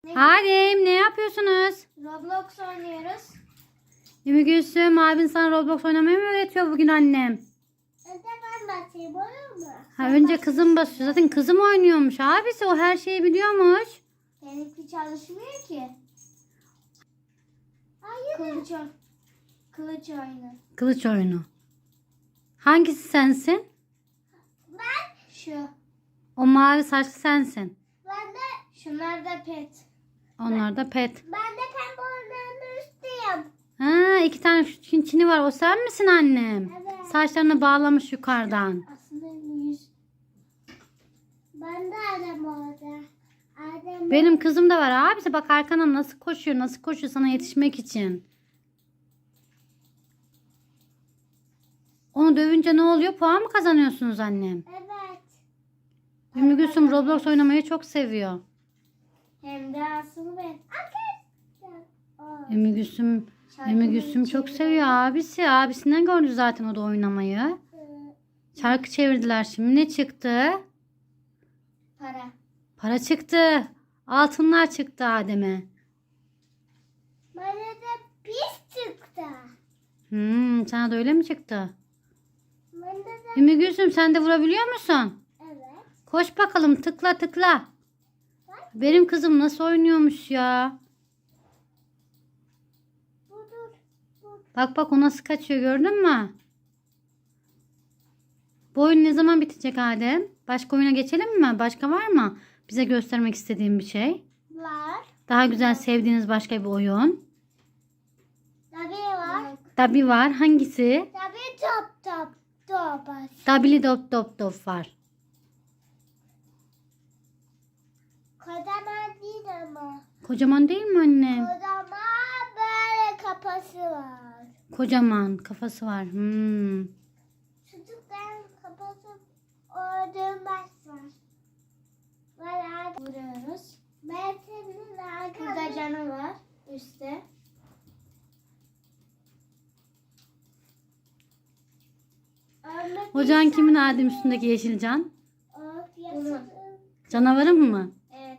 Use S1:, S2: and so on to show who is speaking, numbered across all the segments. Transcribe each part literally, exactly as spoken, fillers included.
S1: Adem, ne yapıyorsunuz?
S2: Roblox oynuyoruz.
S1: Ümmü Gülsüm, abin sana Roblox oynamayı mı öğretiyor bugün annem?
S2: Önce ben basayım, olur mu?
S1: Ha, önce kızım basıyor. Zaten kızım oynuyormuş. Abisi o her şeyi biliyormuş.
S2: Benimki çalışmıyor ki. Hayır. Kılıç, oy- kılıç oyunu.
S1: Kılıç oyunu. Hangisi sensin?
S2: Ben. Şu.
S1: O mavi saçlı sensin.
S2: Ben de. Şunlar da pet.
S1: Onlar da pet.
S2: Ben de pembe olanın üstüyüm.
S1: Ha, iki tane şu çini var. O sen misin annem?
S2: Evet.
S1: Saçlarını bağlamış yukarıdan.
S2: Aslında yüz. Ben de Adem orada. Adem.
S1: Benim kızım da var. Abisi bak arkana nasıl koşuyor. Nasıl koşuyor sana yetişmek için. Onu dövünce ne oluyor? Puan mı kazanıyorsunuz annem?
S2: Evet.
S1: Ümmü Gülsüm Roblox oynamayı çok seviyor.
S2: Hem de asıl ben. Arkadaşlar. Aa.
S1: Ümmü Gülsüm, Ümmü Gülsüm çok seviyor abisi. Abisinden gördü zaten o da oynamayı. Şarkı çevirdiler şimdi. Ne çıktı?
S2: Para.
S1: Para çıktı. Altınlar çıktı Adem'e.
S2: Bana da pis çıktı.
S1: Hmm, sana da öyle mi çıktı?
S2: Bana da
S1: Ümmü Gülsüm sen de vurabiliyor musun?
S2: evet.
S1: Koş bakalım tıkla tıkla. Benim kızım nasıl oynuyormuş ya.
S2: Dur dur. Dur.
S1: Bak bak o nasıl kaçıyor gördün mü? Bu oyun ne zaman bitecek Adem? Başka oyuna geçelim mi? Başka var mı? Bize göstermek istediğin bir şey.
S2: Var.
S1: Daha güzel sevdiğiniz başka bir oyun.
S2: Tabii var.
S1: Dabi var. Hangisi?
S2: Tabii top top top.
S1: Dabili dop dop dop var.
S2: Kocaman değil ama.
S1: Kocaman değil mi annem?
S2: Kocaman böyle kafası var.
S1: Kocaman kafası var. Hmm.
S2: Çocukların kafası öldürmez var. Var vuruyoruz. Ben senin arkadaşım. Burada canı var üstte. Ölmek
S1: Ocağın kimin
S2: insan-
S1: Adem üstündeki yeşil can?
S2: Of, yaşasın.
S1: Canavarın mı?
S2: Evet.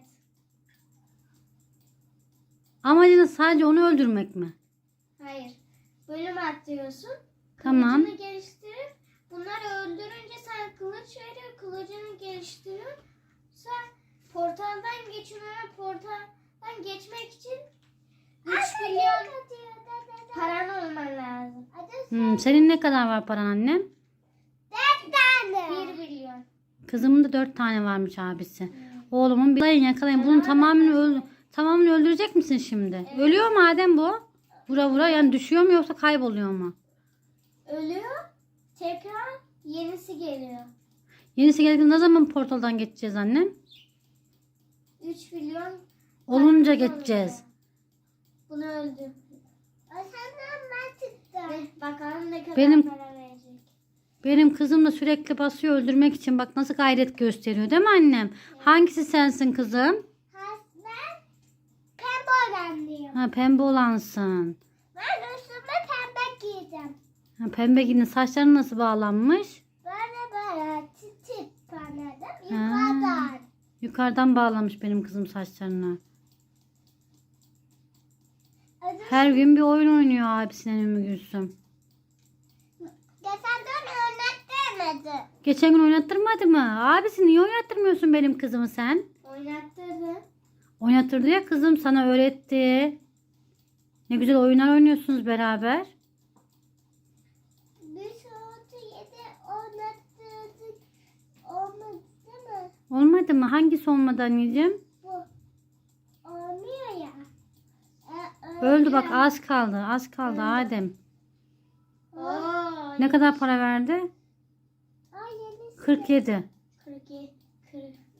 S1: Amacınız sadece onu öldürmek mi?
S2: Hayır. Bölüm atlıyorsun.
S1: Tamam.
S2: Kılıcını geliştirip bunları öldürünce sen kılıç veriyor. Kılıcını geliştiriyor. Sen portaldan geçiyor. Portaldan geçmek için üç milyon paran olman lazım.
S1: Hmm, senin ne kadar var paran annem?
S2: dört tane. bir milyon.
S1: Kızımın da dört tane varmış abisi. Oğlumun bir yakalayın yakalayın. Bunun tamamını öldür tamamını öldürecek misin şimdi? Ölüyor mu Adem bu? Vura vura yani düşüyor mu yoksa kayboluyor mu?
S2: Ölüyor. Tekrar yenisi geliyor.
S1: Yenisi geldiğinde ne zaman portaldan geçeceğiz annem?
S2: üç milyon
S1: Olunca
S2: paramız
S1: geçeceğiz.
S2: olacak. Bunu öldü. Senden ben çıktım. Bakalım ne kadar
S1: Benim-
S2: para verecek.
S1: Benim kızım da sürekli basıyor öldürmek için. Bak nasıl gayret gösteriyor değil mi annem? Hangisi sensin kızım?
S2: Ben pembe olanlıyım.
S1: Ha, pembe olansın.
S2: Ben üstüme pembe giyeceğim.
S1: Ha, pembe giyinin saçları nasıl bağlanmış?
S2: Böyle böyle titip anladım.
S1: Ha.
S2: Yukarıdan.
S1: Yukarıdan bağlamış benim kızım saçlarını.
S2: Adı-
S1: Her gün bir oyun oynuyor abisinin Ümmü Gülsüm.
S2: Geçen dön oynattırmadı.
S1: Geçen gün oynattırmadı mı? Abisi niye oynattırmıyorsun benim kızımı sen?
S2: Oynattırdı.
S1: Oynattırdı ya kızım sana öğretti. Ne güzel oyunlar oynuyorsunuz beraber.
S2: Bir saat yedi oynattırdık. Olmadı değil mi?
S1: Olmadı mı? Hangisi olmadı anneciğim?
S2: Bu. Olmuyor ya. E,
S1: Öldü bak az kaldı. Az kaldı Adem.
S2: Oo,
S1: Ne kadar para verdi?
S2: Ay yenisi.
S1: kırk yedi.
S2: kırk yedi. kırk.